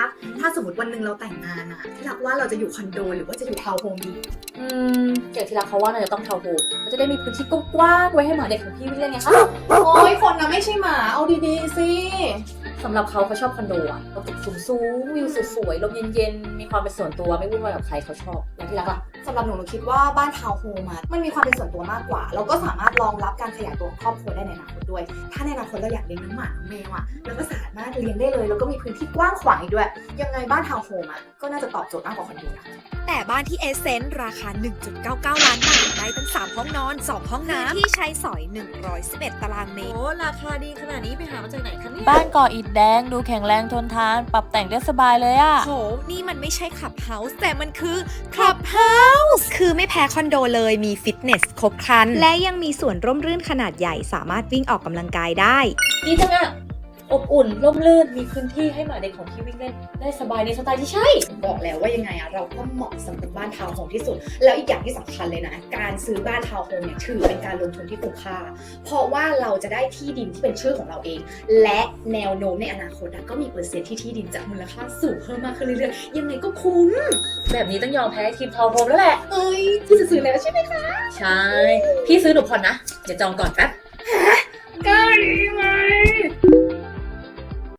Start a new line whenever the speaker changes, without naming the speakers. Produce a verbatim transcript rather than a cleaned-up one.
รักถ้าสมมติวันหนึ่งเราแต่งงานอะที่รักว่าเราจะอยู่คอนโดหรือว่าจะอยู่ทาวน์โฮมดี
อืมอย่างที่รักเขาว่าน่าจะต้องทาวน์โฮมมันจะได้มีพื้นที่กว้างๆไว้ให้หมาเด็กของพี่วิ่งเล่นไงคะ
โอ้ยคนนะไม่ใช่หมาเอาดีๆสิ
สำหรับเขาเขาชอบคอนโดอะตึกสูงๆวิวสวยๆลมเย็นๆมีความเป็นส่วนตัวไม่วุ่นวายกับใครเขาชอบอย่างที่รักอะ
สำหรับหนูหนูคิดว่าบ้านทาวน์โฮมอะมันมีความเป็นส่วนตัวมากกว่าแล้วก็สามารถรองรับการขยายตัวของครอบครัวได้ในอนาคตด้วยถ้าในอนาคตเราอยากเลี้ยงน้องหมาน้องแมวอะเราก็สามารถเลี้ยงได้เลยแล้วก็มีพื้นที่กว้างขวางอีกด้วยยังไงบ้านทาวน์โฮมอะก็น่าจะตอบโจทย์มากกว่าคอนโดนะ
แต่บ้านที่เอเซนต์ราคา หนึ่งจุดเก้าเก้า ล้านบาทได้ทั้งสามห้องนอน สอง ห้องน้ำที่ใช้สอย หนึ่งร้อยสิบเอ็ด ตารางเมตร
โอ้ราคาดีขนาดนี้ไปหามาจากไหนคะเนี่ย
บ้านก่ออิฐแดงดูแข็งแรงทนทาน ปรับแต่งได้สบายเลยอะ
โห นี่มันไม่ใช่คลับเฮาส์แต่มันคือคลับเฮาส์คือไม่แพ้คอนโดเลยมีฟิตเนสครบครัน และยังมีส่วนร่มรื่นขนาดใหญ่สามารถวิ่งออกกำลังกายได้
ดีจังอะอบอุ่นร่มรื่นมีพื้นที่ให้หมาเด็กของพี่วิ่งเล่นได้สบายในสไตล์ที่ใช่
บอกแล้วว่ายังไงอะเราก็เหมาะสำหรับบ้านทาวน์โฮมที่สุดแล้วอีกอย่างที่สำคัญเลยนะการซื้อบ้านทาวน์โฮมเนี่ยถือเป็นการลงทุนที่คุ้มค่าเพราะว่าเราจะได้ที่ดินที่เป็นชื่อของเราเองและแนวโน้มในอนาคตอะก็มีเปอร์เซ็นต์ที่ที่ดินจะมูลค่าสูงเพิ่มมากขึ้นเรื่อยๆยังไงก็คุ้ม
แบบนี้ต้องยอมแพ้ทีมทาวน์โฮมแล้วแหละ
เอ้ยพี่จะซื้อแล้วใช่ไหมคะ
ใช่พี่ซื้อหนูผ่อนนะเดี๋ยวจองก่อนแป๊บ
ก็ดีมา